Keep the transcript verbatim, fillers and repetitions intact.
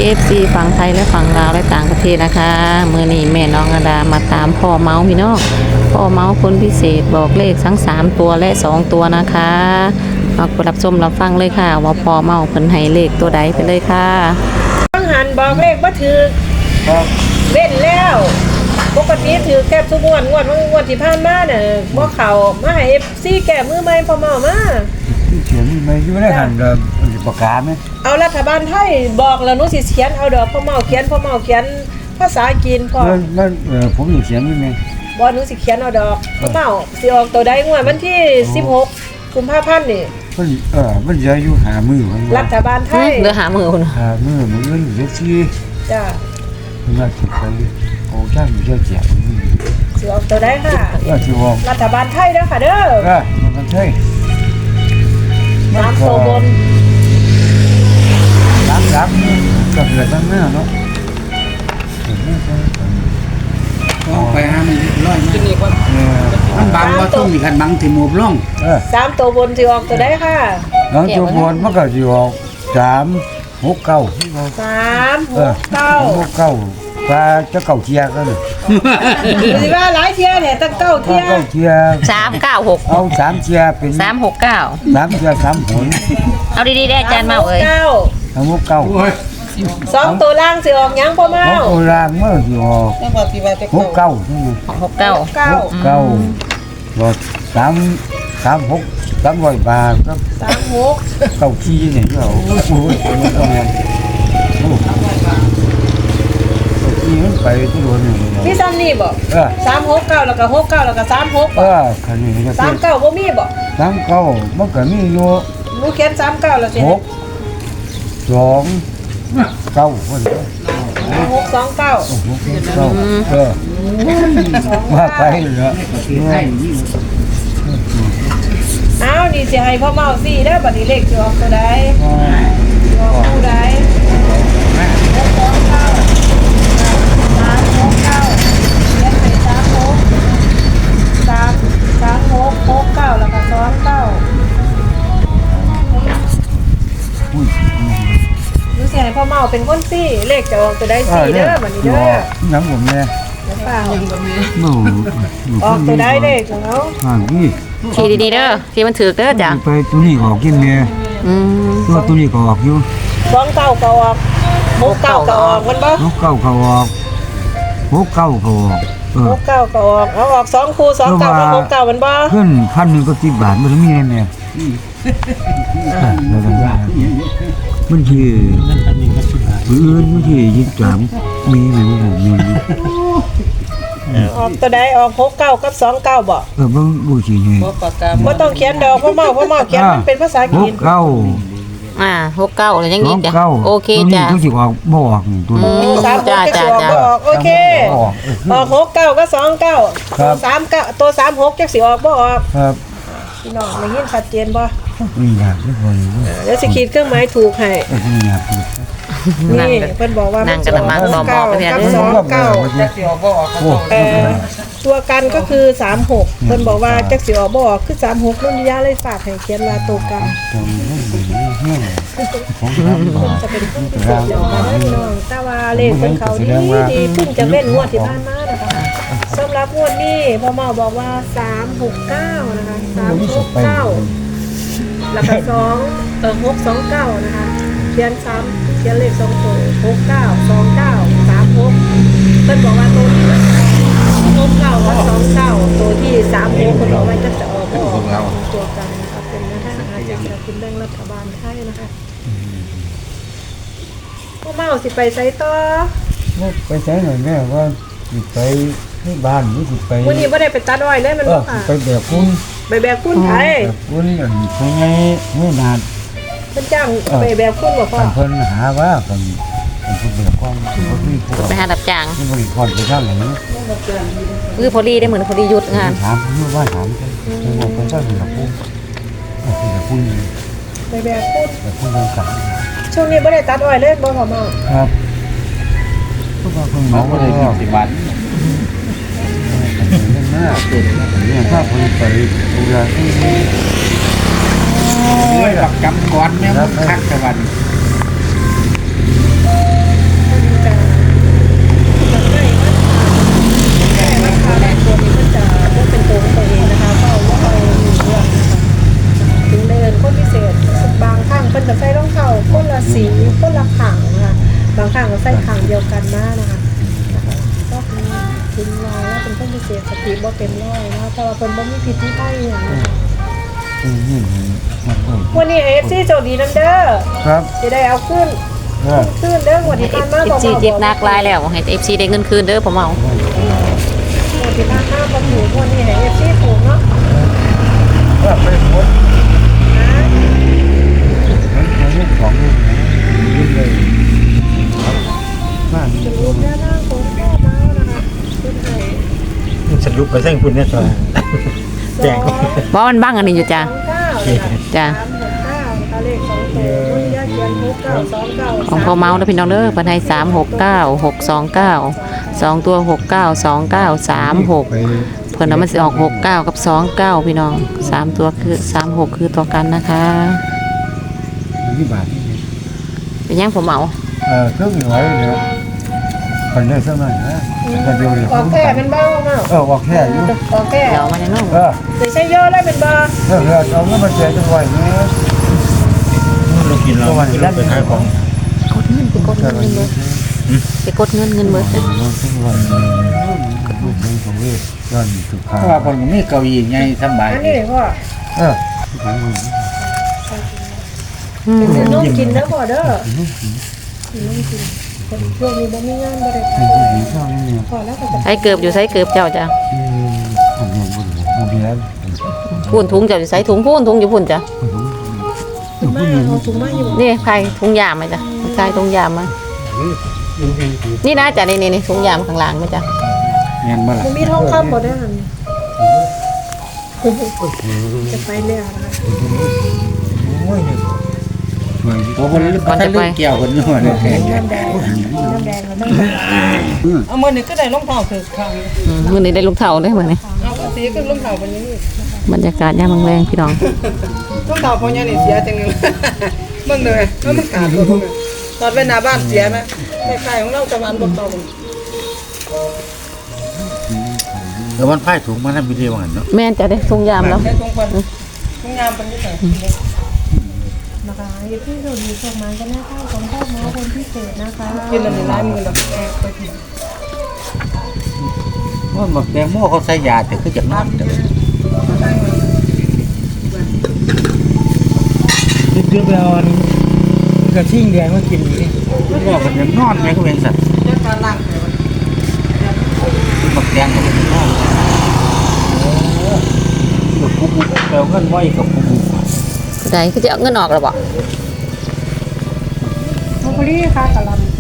อฟซีฝั่งไทยและฝั่งลาวและต่างประเทศนะคะมือนี้แม่น้องอดามาตามพ่อเมาส์พี่น้องพ่อเมาส์คนพิเศษบอกเลขทั้งสามตัวและสองตัวนะคะมารับชมรับฟังเลยค่ะว่าพ่อเมาส์เพิ่นให้เลขตัวใดไปเลยค่ะต้องหันบอกเลขบ่ถือครับเว้นแล้วปกติถือแก้ทุกงวดงวดงวดที่ผ่านมาเนี่ยบ่เข้ามาให้ เอฟ ซี แก้มือใหม่พอเมามาที่เขียนนี่ไม่อยู่ได้หันกับปากกาไหมเอารัฐบาลไทยบอกแล้วหนูสิเขียนเอาดอกพอเมาเขียนพอเมาเขียนภาษาจีนพอมันมันเออผมอยู่เขียนนี่ไงบ่หนูสิเขียนเอาดอกพอเมาสิออกตัวใดงวดวันที่สิบหกกุมภาพันธ์นี่มันเออมันจะอยู่หามือมันรัฐบาลไทยเดือหามือคุณหามือมันเงินเยอะที่จ้ะมันมาถึงไปโอ้ช่างอยู่เยอะแยะสิออกตัวใดค่ะก็ที่ว่ารัฐบาลไทยเด้อค่ะเด้อก็มันใช่สามตัวบนสามสามก็เกิดตั้งหน้าเนาะเอาไปหามันร้อยมันเออมันบังว่าต้องมีกันบังที่หมูบล่องเออสามตัวบนสิออกตัวใดค่ะน้องจูบวนมันก็อยู่สามหกเก้าสามหเออกเก้าหกเก้าปลาจะเก่าเทียกันสิว่าหลายเที่ยเนี่ยตั้งเก้าก็เที่ยเก่าเทียสามเก้าหกเอาสามเทียเป็นสามหกเก้าสามเทียสามหนเอาดีๆได้อาจารย์เมาเอ้ยเก้าสามหกเก้าโอ้ยสองตัวล่างสิออกหยังพ่อเมาของโบราณเมื่ออยู่หกเก้าใช่ไหมหกเก้าเก้าหกเก้าก็สามสามหกสามร้อยบาทก็สามหกเก้าขี้เนี่ยเหรอโอ้โหมันก็แม่นโอ้เก้าขี้มันไปที่โดนนี่พี่ซ้ำนี่บ่เออสามหกเก้าแล้วก็หกเก้าแล้วก็สามหกเออคันนี้ก็สามเก้าบ่มีบ่สามเก้ามันก็มีอยู่หนูเขียนสามเก้าแล้วสิหกสองเก้าคนหกสองเก้าหกเก้าเออมาไปเหรอไทยนี่อ้าวนี่สิให้พ่อเมาสี่เด้อบัดนี้เลขสิออกตัวใดสิออกคู่ใดหกสองเก้าสามหกเก้าเขียนไปสามหกสามสามหกหกเก้าแล้วก็สองเก้าอุ้ยรู้สึกให้พ่อเมาเป็นคนซี่เลขจะออกตัวได้เออสี่เนี่เด้ยอบัดนี้เด้อน้ำผมเนี่ยเดี๋ยวเปล่าโอ้ออกตัวได้เลขของเขาห่างนี่ทีดีๆเด้อที่มันถือเด้อจ้ะไปตัวนี้ออกกินเนี่ยอืมตัวตัวนี้ก็ออกอยู่สองเก้าก็ออกหกเก้าก็ออกมันบ่หกเก้าก็ออกหกเก้าก็ออกเอหอกเก้าก็ออกเอาออกสองคู่สองเก้ากับหกเก้ามันบ่ขึ้นพันหนึ่งก็สิบบาทมันมีเนี่ยมันคืออื่นมันคือยี่สิบสามมีไหมผมมีออกตัวใดออกหกเก้ากับสองเก้าบ่เออบ่บ่สิไงบ่ต้องเขียนดอกพ่อเมาพ่อเมาเขียนมันเป็นภาษาหจีกนเก้าอ่าหกเก้าอะไรยังสอีอก งจ้ะเก้าโอเคตัวนี้จ้ะต้องสิออกบ่ออกนี่ตัวนี้สามหกจ้าจะจ้าสิออกจ้าบ่ออกโอเคออกหกเก้ากับสองเก้าครับสามเก้าตัวสามหกจะสิออกบ่ออกครับพี่น้องได้ยินชัดเจนบ่นี่อยากทุกคนเดี๋ยวสิขีดเครื่องหมายถูกให้เออนี่อยากทุกนี่เพิ่นบอกว่านั่มันงกันละมั้งต่อหมอไปเนี่ยกับเด้อสองเก้าโอ้เอ่อตัวกันก็คือสามหกเพิ่นบอกว่าจักสิออกบ่ออกคือสามหกนุ่นยาเลยฝากให้เขียนว่าตัวกันตรงนี้เนี่ยของทำบาจะเป็นผู้พิเศษอย่างนั้นพี่น้องแต่ว่าเลขของเขาดีดีเพิ่งจะเว้นงวดที่ผ่านมานะคะสำหรับงวดนี้พ่อหมอบอกว่าสามหกเก้านะคะสามหกเก้าแล้วก็สองเออหกสองเก้านะคะเขียนซ้ำเขียนเลขสองตัวหกเก้าสองเก้าสามหกเพิ่นบอกว่าตัวนี้หกเก้ากับสองเก้าตัวที่สามหกเพิ่นบอกว่าจะจะออกก็ออกตัวกันนะคะเป็นแนวทางอาจจะสกินแบ่งรัฐบาลไทยนะคะพ่อเมาสิไปไสต่อไปใช้หน่อยแม่ว่าไปที่บ้านนี่สิไปวันนี้ไม่ได้ไปตัดอ้อยเลยมันเอบ่อค่ะไปแบบคุณไปแบบคุณไทยแบบคุณอันไปไงไม่นานเพิ่นจ้างไปแบบคุณบ่พ่อทางเพิ่นหาว่าคนคนผู้แบบความคนที่ผู้ไปหารับจ้างที่บริกรไปทางไหนคือพอดีได้เหมือนพอดีหยุดงานถามเพื่อว่าถามกันคือว่าเป็นเจ้าหน้าผู้คือแบบผู้ไปแบบคุณแบบผู้ยังกันช่วงนี้ไม่ได้ตัดอ้อยเลยบ่พ่อเมาครับพวกเราเพิ่งเขาเมาก็เลเลย ยสิบบาทหน้าเนี่ยถ้าคนไปดูแลที่โอ้ยหลักกำก้อนแม่มึงคักแต่วันใส่ขังเดียวกันมานะคะนะคะก็คือถึงว่าแล้วเป็นคนพิเศษสติบ่เต็มร้อยนะแต่ว่าเพิ่นบ่มีผิดมีไผอย่างนี้อืมนี่มันก็วันนี้ เอ เอฟ ซี โชคดีนำเด้อครับจะได้เอาขึ้นเออขึ้นเด้องวดที่ผ่านมาเอฟซีเจ็บหนักหลายแล้วให้เอฟซีได้เงินคืนเด้อพ่อเมางวดที่ผ่านมาบ่ถูกงวดนี้ให้ เอฟ ซี ถูกเนาะว่าไปหมดมันมันไม่ของยิ่งเลยบ้านสรุปแล้วหน้าของพ่อเมานะคะขึ้นให้สรุปไปเส้นคุณเนี่ยตอนแจงเพราะมันบ้างอันนี้อยู่จ้ะสองเก้านะคะจ้ะสามหกเก้านะคะเลขสองตัวงวดที่ยาเขียนหกเก้าสองเก้าของพ่อเมาเด้อพี่น้องเด้อเพิ่นให้สามหกเก้าหกสองเก้าสองตัวหกเก้าสองเก้าสามหกไปเพิ่นเอามันสิออกหกเก้ากับสองเก้าพี่น้องสามตัวคือสามหกคือตัวกันนะคะที่บ้านนี่เป็นยังผมเมาเออเครื่องอยู่ไว้เนี่ยคนได้สักหน่อยนะแต่เดียวเลยออกแค่เป็นบ้าเมาเออออกแค่อยู่ออกแค่เดี๋ยวมาในน้องเออไม่ใช่ย่อแล้วเป็นบ้าเออเออเอาเงินมาแจกจังหวะนี้เรากินเราเราไปขายของกดเงินไปกดเงินเงินเบิดไปกดเงินเงินเบิดเราจังหวะนี้ลูกของเวทย้อนสุขาเพราะว่าคนก็มีเก้าอี้ใหญ่สบายอันนี้เลยพ่อเอออืมเป็นนมกินเด้อพ่อเด้อกินนมกินคนช่วงนี้บ่มีงานบ่ได้เป็นผู้หญิงช่องนี้พอแล้วก็จะใช้เกือบอยู่ใช้เกือบเจ้าจ้ะอืมผมยังบ่รู้บ่มีแล้วพูนถุงเจ้าอยู่ใช้ถุงพูนถุงอยู่พุ่นจ้ะถุงมาเอาถุงมาอยู่นี่ใครถุงยามไหมจ้ะใครถุงยามมานี่นะจ้ะนี่นี่นี่ถุงยามข้างล่างไหมจ้ะเงินบ่ล่ะบ่มีทองคำบ่ได้หั่นจะไปแล้วนะคะโอ้ยเนี่ยช่วยโอ้คนนี้ถ้าลูกเกี่ยวคนนู้นเนี่ยแข็งน้ำแดงน้ำแดงก็ต้องเอามือนี่ก็ได้รองเท้าคือข้างอืมมื้อนี้ได้ลูกเท่าได้มื้อนี้เอาสีก็รองเท้าเป็นอย่างนี้บรรยากาศยามแรงๆพี่น้องรองเท้าพอเนี่ยนี่เสียจังเลยมึงเลยแล้วมันขาดตัวมึงตอนไปหน้าบ้านเสียไหมไม่ใครของเราจะมันบอกต่อมึงเดี๋ยวมันพ่ายถุงมาทำวิดีโอหันเนาะแม่นจะได้ถุงยามแล้วแค่ตรงคนตรงงามเป็นยังไงนะคะอย่าเพิ่งโดนดีส่งมากันนะคะของพ่อหมอคนพิเศษนะคะกินอะไรร้ายมือเราแอบไปกินมันบอกแตงโมเขาใส่ยาแต่คือจากนอนเด้อคิดดูไปเอากระทิ่งแดงมากินนี่มันบอกมันยังนอนไหมก็เป็นสัตว์เจ้าการล่างเลยบอกแตงก็เป็นนอนกับปุ๊บปุ๊บแปลเงินไว้กับปุ๊บปุ๊บได้คือจะเอาเงินออกแล้วบ่โมกุลี่ค่ะกะหลำ